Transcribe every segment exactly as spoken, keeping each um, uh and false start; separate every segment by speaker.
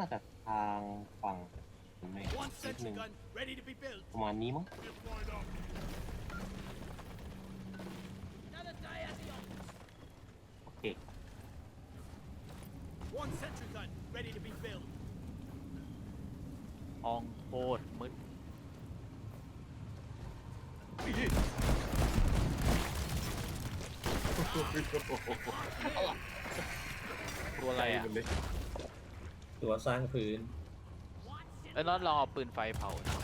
Speaker 1: าจะทางฝั่งไม่นิดนึงประมาณนี้มั้งโอเค
Speaker 2: One sentry gun ready to be filled.
Speaker 3: ห้องโคตรมืดตัวอะไรอ่ะ
Speaker 4: ตัวสร้างพื้น
Speaker 3: เอ้ยน็อตลองเอาปืนไฟเผานะ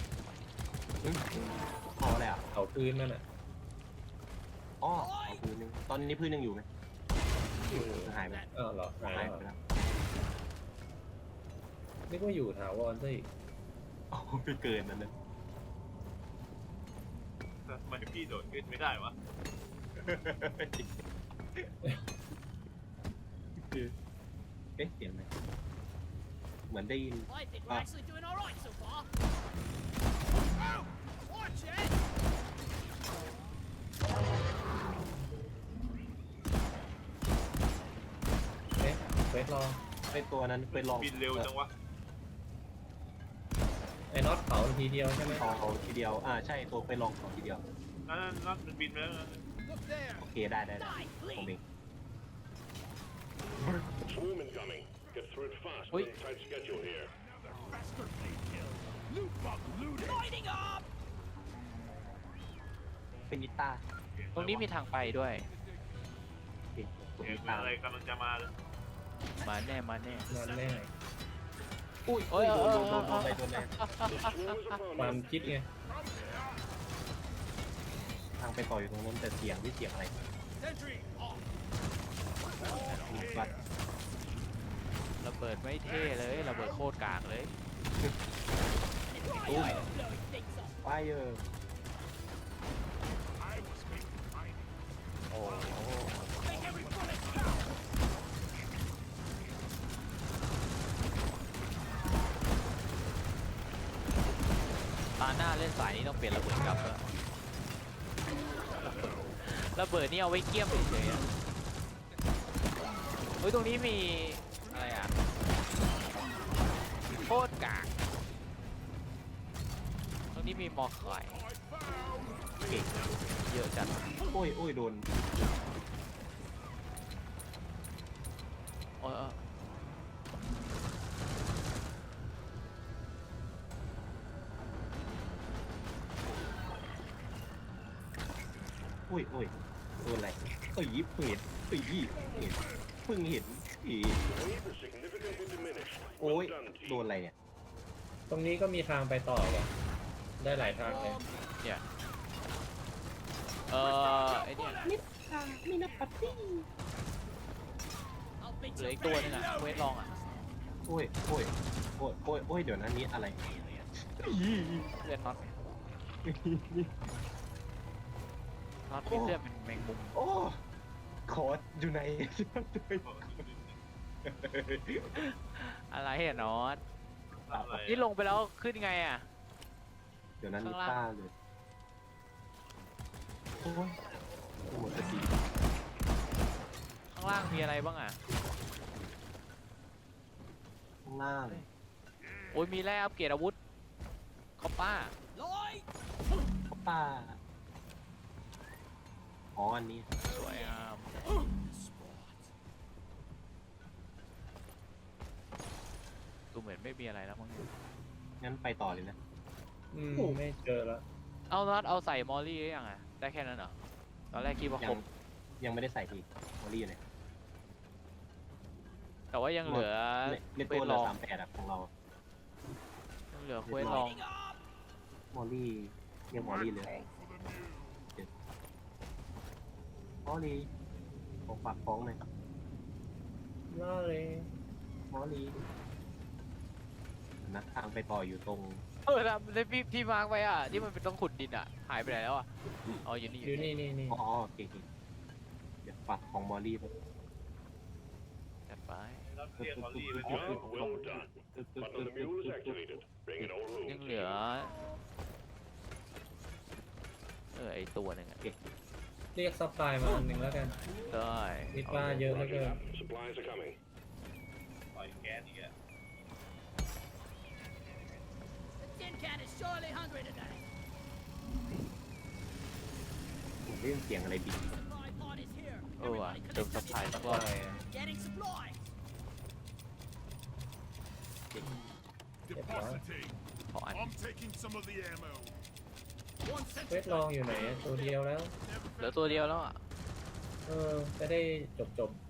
Speaker 1: พอแล้ว
Speaker 4: เอาพื้นนั่นน่ะ
Speaker 1: อ๋อเอาพื้นนึงตอนนี้พื้นยังอยู่ไหมหายไป
Speaker 4: อ้าวเหรอหาย
Speaker 1: หาย
Speaker 4: แล้ว
Speaker 1: ไปแล้ว
Speaker 4: นึกว่าอยู่ถาวรซะอีก
Speaker 1: อ๋อไปเกินนั่นเลย
Speaker 5: ทำไมพี่โดดขึ้นไม่ได้วะ
Speaker 1: เอ๊ะเสียงไหมเหมือนได้ยิน
Speaker 2: I think we're actually doing all right so far. Oh, watch it!
Speaker 4: เอ๊ะเวทรอ
Speaker 1: เป็นตัวนั้นเป็นลอง
Speaker 5: บินเร็วจังวะ
Speaker 4: ไอ้น็อตเผาทีเดียวใช่ไหม
Speaker 1: เอาทีเดียวอ่าใช่ตัวไปลองของทีเดียว
Speaker 5: นั่นนั่นมันบินไปแล้วนะ
Speaker 2: Look there.
Speaker 1: โอเคได้ได้ได้
Speaker 2: Die,
Speaker 1: ผมเอง
Speaker 2: please.
Speaker 6: Swarm incoming. Get through it fast.
Speaker 3: Oi.
Speaker 6: We're on tight schedule here.
Speaker 2: Lighting up.
Speaker 1: เป็นนิต้า
Speaker 3: ตรงนี้มีทางไปด้วย
Speaker 1: โอเคตัว
Speaker 5: เห็
Speaker 1: นิ
Speaker 5: น
Speaker 1: ต้า
Speaker 5: อะไรกำลังจะมาเลย
Speaker 3: มาแน่มาแน่
Speaker 4: นั่นแน่
Speaker 1: อุ้ย
Speaker 3: โอ้ย
Speaker 1: โดนโดน
Speaker 3: เอ
Speaker 1: โด
Speaker 3: อน
Speaker 1: โดนอะไรโดนอะไร
Speaker 6: The swarm is upon
Speaker 4: ความ
Speaker 6: us.
Speaker 4: คิดไง
Speaker 1: ทางไปต่ออยู่ตรงนั้นแต่เสียงที่เสียงอะไร
Speaker 2: Sentry off.
Speaker 1: บัด
Speaker 3: ระเบิดไม่เท่เลยระเบิดโคตรกากเลย
Speaker 1: ตุ้ม
Speaker 2: Blowing things up.
Speaker 1: ไฟเออร์
Speaker 3: โอ้โห
Speaker 2: Make every bullet count.
Speaker 3: ตาหน้าเล่นสายนี้ต้องเปลี่ยนระเบิดกลับแล้วระเบิดนี่เอาไว้เกี้ยมเฉยๆอะเฮ้ยตรงนี้มีอะไรอ่ะโคตรกากตรงนี้มีมอคอย
Speaker 1: เก่ง
Speaker 3: เยอะจัด
Speaker 1: โอ้ยโอ้ยโดน
Speaker 3: โอ้ยเออ
Speaker 1: โอ้ยโอ้ยโดนอะไรเอ้ยยิบเห็นเอ้ยยี่เห็นเพิ่งเห็นอี
Speaker 6: Wave is significantly diminished.
Speaker 1: โอ้ย
Speaker 6: Well done,
Speaker 1: โดน
Speaker 6: team.
Speaker 1: อะไรเนี่ย
Speaker 4: ตรงนี้ก็มีทางไปต่อว่ะได้หลายทางเลย
Speaker 3: เนี่ยเออไอเนี่ย
Speaker 2: I'll beat
Speaker 3: เหลือ
Speaker 2: you.
Speaker 3: อีกตัวนึงอ่ะเวทลองอ่ะ
Speaker 1: โอ้ยโอ้ยโอ้ยโอ้ยโอ้ยเดี๋ยวนั้นนี้อะไร
Speaker 3: เลือดน็อตน็อตมีเลือดเป็นแมงมุม
Speaker 1: โอ้คอร์สอยู่ไหน
Speaker 3: อะไรอะน็อต
Speaker 5: อะไร
Speaker 3: นี่ลงไปแล้วขึ้นไงอ่ะ
Speaker 1: เดี๋ยวนั้นนิ
Speaker 3: ข้างล่าง
Speaker 1: ต้าเลยโอ้ยหมดสติ
Speaker 3: ข้างล่างมีอะไรบ้างอ่ะ
Speaker 1: ข้างล่าง
Speaker 3: โอ้ยมีแร่อัปเกรดอาวุธคอปป้า
Speaker 2: Light.
Speaker 1: ป้าอ๋ออันนี้
Speaker 3: สวยงามดูเหมือนไม่มีอะไรแล้วมั้ง
Speaker 1: งั้นไปต่อเลยนะ
Speaker 4: อืมไม่เจอแล้ว
Speaker 3: เอาน็อตเอาใส่มอลลี่หรือยังอ่ะได้แค่นั้นเหรอตอนแรกคิดว่าค
Speaker 1: ยั
Speaker 3: รง บ
Speaker 1: ยังไม่ได้ใส่ทีมอรี่เลย
Speaker 3: แต่ว่ายังเหลือ
Speaker 1: ในใน
Speaker 3: เคว
Speaker 1: ตัว
Speaker 3: ส
Speaker 1: เหลื
Speaker 3: ล
Speaker 1: อ
Speaker 3: อง
Speaker 1: สามแปดอะของเรา
Speaker 3: ยังเหลือเควสลอง
Speaker 2: Lighting up.
Speaker 1: มอรี่เรียกมอรี่เลยมอรี่ของฝากฟ้องเลย
Speaker 4: น่าเลย
Speaker 1: มอรี่นะทางไปต่ออยู่ตรง
Speaker 3: เออนะในพี่พี่มาร์กไว้อ่ะที่มันเป็นต้องขุดดินอ่ะหายไปไหนแล้วอ่ะอ๋ออยู่นี่
Speaker 4: อยู่นี่นี่นี่
Speaker 1: อ๋อโอเคโอเคเดี๋ยวฝากของมอรี่ไป
Speaker 3: จัดไป
Speaker 5: รับเรียกมอลลี่ไป
Speaker 6: Job well done. Button of the mule is activated. Bring it all
Speaker 3: ยัง
Speaker 6: room.
Speaker 3: เหลือเออไอตัวหนึ่งอ่ะ
Speaker 4: เรียกซัพพลายมาอันหนึ่งแล้วกัน
Speaker 3: ได้
Speaker 4: คิดว่าเยอะเหลือ
Speaker 6: Roger
Speaker 4: เกิน
Speaker 6: that. Supplies are coming.
Speaker 5: ปล่อยแก๊สอีกอะ
Speaker 2: surely hungry today.
Speaker 1: ผมได้ยินเสียงอะไรบิน
Speaker 2: Supply pod is here.
Speaker 3: เออว่ะ
Speaker 2: Everybody
Speaker 3: เติม
Speaker 2: collect
Speaker 3: สัพพลาย
Speaker 2: something.
Speaker 3: สักรอบ
Speaker 2: Getting supplies.
Speaker 7: Depositing.
Speaker 3: ขออัน
Speaker 7: I'm taking some of the ammo.
Speaker 2: One
Speaker 4: เวทลองอยู่ไหนอะตัวเดียวแล้ว
Speaker 3: เหลือตัวเดียวแล้วอ่ะ
Speaker 4: เออจะได้จบจบ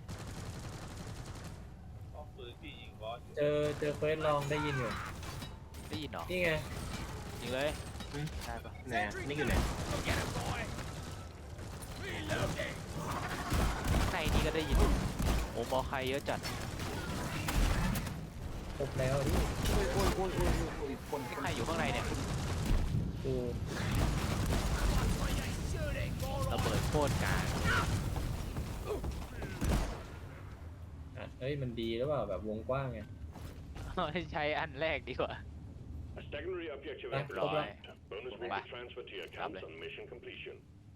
Speaker 5: ป้อมปืนที่ยิงบอสอยู่
Speaker 4: ๆเจอเจอเควสลองได้ยินอยู่
Speaker 3: ได้ยินเหรอ
Speaker 4: นี่ไง
Speaker 3: ยิงเลย
Speaker 1: อืม
Speaker 3: ได้ปะ
Speaker 1: ไหนอะนี่อยู่ไหน
Speaker 2: Go get him, boy. Reloading.
Speaker 3: ในนี้ก็ได้ยินโอ้มอใครเยอะจัด
Speaker 4: ครบแล้วดิ
Speaker 1: โอ้ยโอ้ยโอ้ยโอ้ยโอ้ยคน
Speaker 3: ใครอยู่ข้างในเนี่ย
Speaker 4: กู
Speaker 2: Shooting. All
Speaker 3: ระ
Speaker 2: right.
Speaker 3: เบิดโคตรกลาง
Speaker 4: อ่ะเฮ้ยมันดีหรือเปล่าแบบวงกว้างไง
Speaker 3: ใช้อันแรกดีกว่า
Speaker 6: A secondary objective
Speaker 4: Ah,
Speaker 6: has been
Speaker 4: hold on.
Speaker 6: unlocked. Bonus will
Speaker 3: Bye.
Speaker 6: be transferred to your account
Speaker 3: Lovely.
Speaker 6: on mission completion.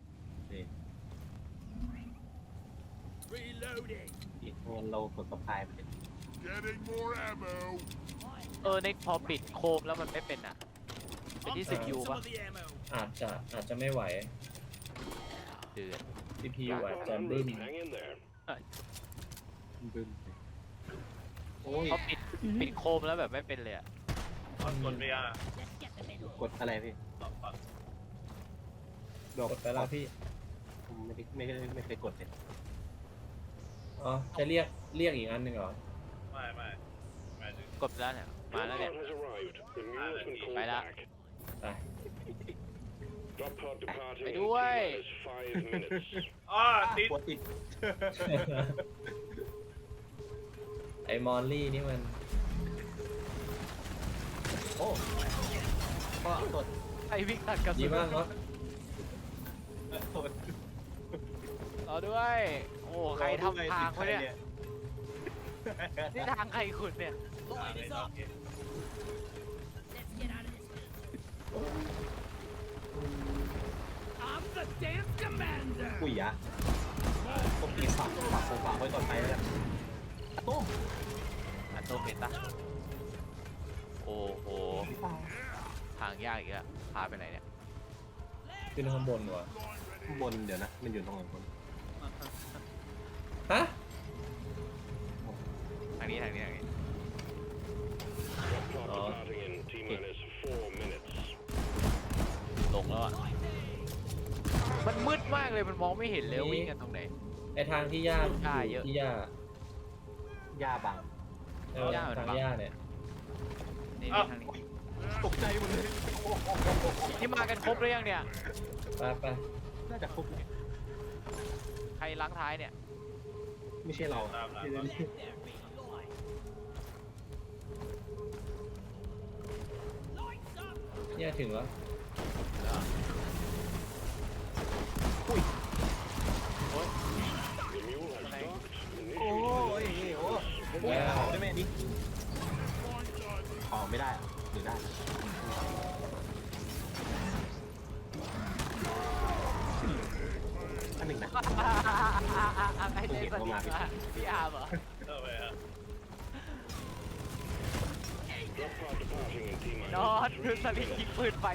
Speaker 2: Reloading.
Speaker 1: อีกคนเรากดสะพายไปเลย
Speaker 7: Getting more ammo.
Speaker 3: เออในพอปิดโคมแล้วมันไม่เป็นอ่ะ เป็นที่
Speaker 2: I'm
Speaker 3: สิบ
Speaker 2: taking
Speaker 3: ยู
Speaker 2: some
Speaker 3: ป่ะ
Speaker 2: of the ammo.
Speaker 4: อาจจะอาจจะไม่ไหว
Speaker 3: เดือด
Speaker 4: ซี พี ยู
Speaker 6: Back
Speaker 4: อาจ
Speaker 6: on
Speaker 4: จะ
Speaker 6: en
Speaker 4: บึ้ม
Speaker 6: route. Hang in there.
Speaker 1: บึ้มโอ้ย
Speaker 3: พอปิดปิดโคมแล้วแบบไม่เป็นเลยอ่ะ
Speaker 5: ป้อมกดไม่ยาก
Speaker 2: Let's get them in.
Speaker 1: กดอะไรพี่
Speaker 5: ป้อมป้อม
Speaker 1: ดอก
Speaker 4: กดไปแล้วพี่
Speaker 1: ผมไม่ได้ไม่ได้ไม่เคยกดเลย
Speaker 4: อ๋อจะเรียกเรียกอีกอันหนึ่งเหรอ
Speaker 5: ไม่ไม่หมายถึง
Speaker 3: กดไปแล้วเนี่ย มา
Speaker 6: Drop
Speaker 3: แล้วเนี่ย
Speaker 6: pod has arrived. The mule has been called
Speaker 3: Bye now.
Speaker 6: back.
Speaker 4: ไป
Speaker 6: Drop pod departing
Speaker 3: Bye
Speaker 6: in
Speaker 3: bye.
Speaker 6: T-minus five minutes.
Speaker 5: อ้าติด
Speaker 1: กดติด
Speaker 4: ไอมอลลี่นี่มัน
Speaker 1: โอ้ก็กด
Speaker 3: ไอวิ่งตัดกระ
Speaker 4: ดี
Speaker 3: สุน
Speaker 4: มากเนาะ
Speaker 1: กด
Speaker 3: รอด้วย โอ้ใครทำทางเขาเนี่ย นี่ทางใครขุดเนี่ย
Speaker 2: Line is up. Let's get out of this. I'm the damn commander.
Speaker 1: ปุ๋ยยะผมตีฝักฝักผมฝักไว้ก่อนไปแล้วกันตุ้ม
Speaker 3: อันโตเป็นปะโอ้โห ทางยากอีกแล้วพาไปไหนเนี่ย
Speaker 4: ขึ้นข้างบนวะ
Speaker 1: ข้างบนเดี๋ยวนะ มันอยู่ตรงไหนบน
Speaker 4: ฮะ
Speaker 3: ทางนี้ทางนี้ทางนี้
Speaker 6: Drop pod
Speaker 4: Oh.
Speaker 6: departing in T-minus four minutes.
Speaker 3: ลงแล้วอ่ะ มันมืดมากเลย มันมองไม่เห็นเลยว่าวิ่งกันตรงไหน
Speaker 4: ไอทางที่ย่า
Speaker 3: หญ้าเยอะ
Speaker 4: ที่ย่า
Speaker 1: หญ้าบัง
Speaker 4: เออ
Speaker 3: หญ้ามัน
Speaker 4: ทาง
Speaker 3: บัง
Speaker 4: ย่าเนี่ย
Speaker 3: นี่นี่ทางนี้
Speaker 1: ตกใจหมดเลย
Speaker 3: ที่มากันครบหรือยังเนี่ย
Speaker 4: ไปไป
Speaker 1: น่าจะครบเลย
Speaker 3: ใครล้างท้ายเนี่ย
Speaker 1: ไม่ใช่เรา
Speaker 5: ตามหลัง
Speaker 1: เดี๋ยว
Speaker 5: ก่อน
Speaker 1: นี้
Speaker 2: Lights up.
Speaker 4: เนี่ยถึงแล้ว
Speaker 6: The mule has docked.
Speaker 1: โอ้ย
Speaker 6: Initiate
Speaker 1: โอ้ยโอ้ยขอได้ไหมอันนี้ขอไม่ได้อะหรือได้อันหนึ่งนะ
Speaker 3: ไอ้เจ๊สนิทมาพี่อาร์มเหรอ
Speaker 5: เออไปฮะ
Speaker 6: Drop pod departing in T-minus
Speaker 3: นอนดู
Speaker 6: three
Speaker 3: สลิง
Speaker 6: minutes.
Speaker 3: ยิงปืนไป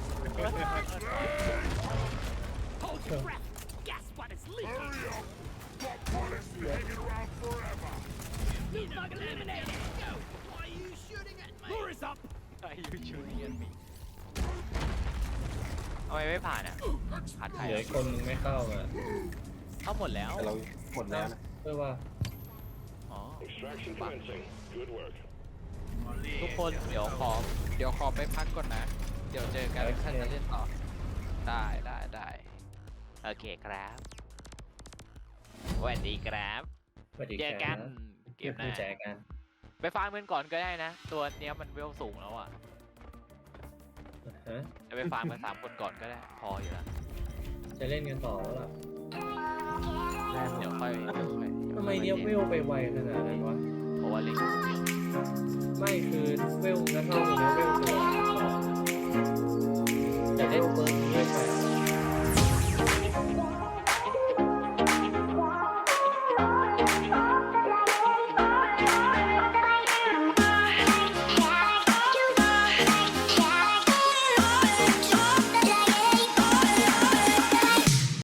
Speaker 2: Hold your breath. Gas spot is leaking.
Speaker 7: Hurry up. Drop pod has been hanging around forever.
Speaker 2: New bug eliminated. Go. Why are you shooting at me? Lure is up.
Speaker 3: ไอ้ยูชูเนียนมีทำไมไม่ผ่านอ่ะผ่านใคร
Speaker 4: เหลืออีกคนนึงไม่เข้ามา
Speaker 3: เข้าหมดแล้ว
Speaker 1: แต่เราหมดแล้วนะ
Speaker 4: เพื่อว่า
Speaker 3: อ๋อ
Speaker 6: Extraction commencing. Good work.
Speaker 5: มอลลี่
Speaker 3: ทุกคนเดี๋ยวขอเดี๋ยวขอไปพักก่อนนะ เดี๋ยวเจอกันถ้าจะเล่นต่อ ได้ได้ได้โอเคครับสวัสดีครับ
Speaker 4: สวัสดี
Speaker 3: เจอ
Speaker 4: ค
Speaker 3: กั
Speaker 4: รั
Speaker 3: น
Speaker 4: บ
Speaker 3: เกมห
Speaker 4: ผู้
Speaker 3: น้า
Speaker 4: แจกกัน
Speaker 3: ไปฟาร์มกันก่อนก็ได้นะ ตัวเนี้ยมันเวลสูงแล้วอ่ะ
Speaker 4: ฮะ
Speaker 3: จะไปฟาร์มกันสามคนก่อนก็ได้ พออยู่แล้ว
Speaker 4: จะเล่นกันต่อแล้วล่ะ
Speaker 3: เดี๋ยวค่อยเดี๋ยวค่อย
Speaker 4: ทำไมเนี่ยเวลไปไวขนาดนั้นวะ
Speaker 3: เพราะว่าเล่นคนเดียว
Speaker 4: ไม่คือเวลงั้นเท่ากับเวลตัวแต่เวลเบอร์